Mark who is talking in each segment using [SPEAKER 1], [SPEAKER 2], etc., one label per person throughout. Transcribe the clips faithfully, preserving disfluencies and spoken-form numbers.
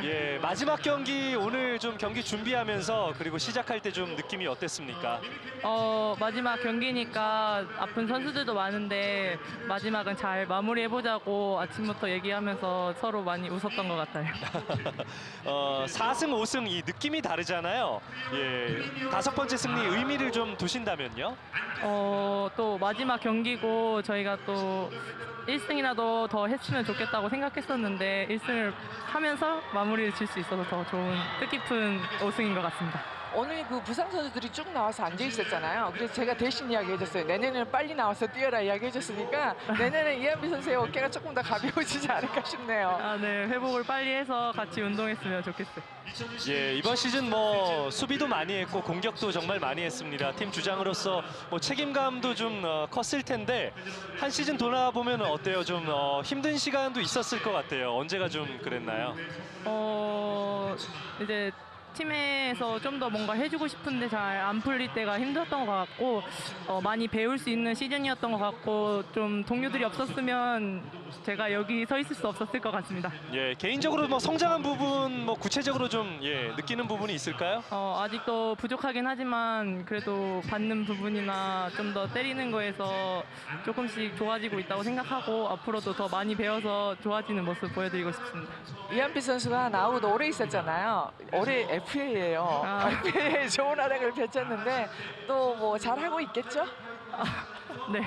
[SPEAKER 1] 예, 마지막 경기 오늘 좀 경기 준비하면서 그리고 시작할 때 좀 느낌이 어땠습니까?
[SPEAKER 2] 어, 마지막 경기니까 아픈 선수들도 많은데 마지막은 잘 마무리해보자고 아침부터 얘기하면서 서로 많이 웃었던 것 같아요.
[SPEAKER 1] 어, 사 승, 오 승 이 느낌이 다르잖아요. 예, 다섯 번째 승리 의미를 좀 두신다면요?
[SPEAKER 2] 어, 또 마지막 경기고 저희가 또 일 승이라도 더 했으면 좋겠다고 생각했었는데 일 승을 하면서 마무리를 질 수 있어서 더 좋은 뜻깊은 오 승인 것 같습니다.
[SPEAKER 3] 오늘 그 부상 선수들이 쭉 나와서 앉아 있었잖아요. 그래서 제가 대신 이야기해줬어요. 내년에는 빨리 나와서 뛰어라 이야기해줬으니까 내년에 이한비 선수의 어깨가 조금 더 가벼워지지 않을까 싶네요.
[SPEAKER 2] 아, 네, 회복을 빨리 해서 같이 운동했으면 좋겠어요.
[SPEAKER 1] 예, 이번 시즌 뭐 수비도 많이 했고 공격도 정말 많이 했습니다. 팀 주장으로서 뭐 책임감도 좀 어, 컸을 텐데 한 시즌 돌아보면 어때요? 좀 어, 힘든 시간도 있었을 것 같아요. 언제가 좀 그랬나요?
[SPEAKER 2] 어, 이제 팀에서 좀 더 뭔가 해주고 싶은데 잘 안 풀릴 때가 힘들었던 것 같고 어, 많이 배울 수 있는 시즌이었던 것 같고 좀 동료들이 없었으면 제가 여기 서 있을 수 없었을 것 같습니다.
[SPEAKER 1] 예, 개인적으로 뭐 성장한 부분 뭐 구체적으로 좀 예, 느끼는 부분이 있을까요?
[SPEAKER 2] 어, 아직도 부족하긴 하지만 그래도 받는 부분이나 좀 더 때리는 거에서 조금씩 좋아지고 있다고 생각하고 앞으로도 더 많이 배워서 좋아지는 모습 보여드리고 싶습니다.
[SPEAKER 3] 이한비 선수가 나오고도 오래 있었잖아요. 올해 에프에이예요.
[SPEAKER 2] 아.
[SPEAKER 3] 에프에이에 좋은 활약을 펼쳤는데 또 뭐 잘하고 있겠죠?
[SPEAKER 2] 네.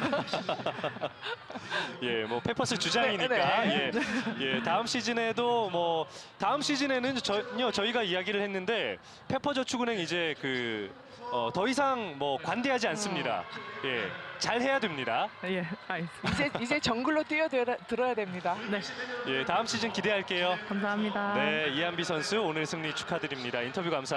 [SPEAKER 1] 예, 뭐 페퍼스 주장이니까
[SPEAKER 3] 네, 네.
[SPEAKER 1] 예, 예, 다음 시즌에도 뭐 다음 시즌에는 전혀 저희가 이야기를 했는데 페퍼저축은행 이제 그 어, 더 이상 뭐 관대하지 않습니다. 예, 잘 해야 됩니다.
[SPEAKER 2] 예, 알겠습니다.
[SPEAKER 3] 이제 이제 정글로 뛰어들어야 됩니다.
[SPEAKER 2] 네,
[SPEAKER 1] 예, 다음 시즌 기대할게요.
[SPEAKER 2] 감사합니다.
[SPEAKER 1] 네, 이한비 선수 오늘 승리 축하드립니다. 인터뷰 감사합니다.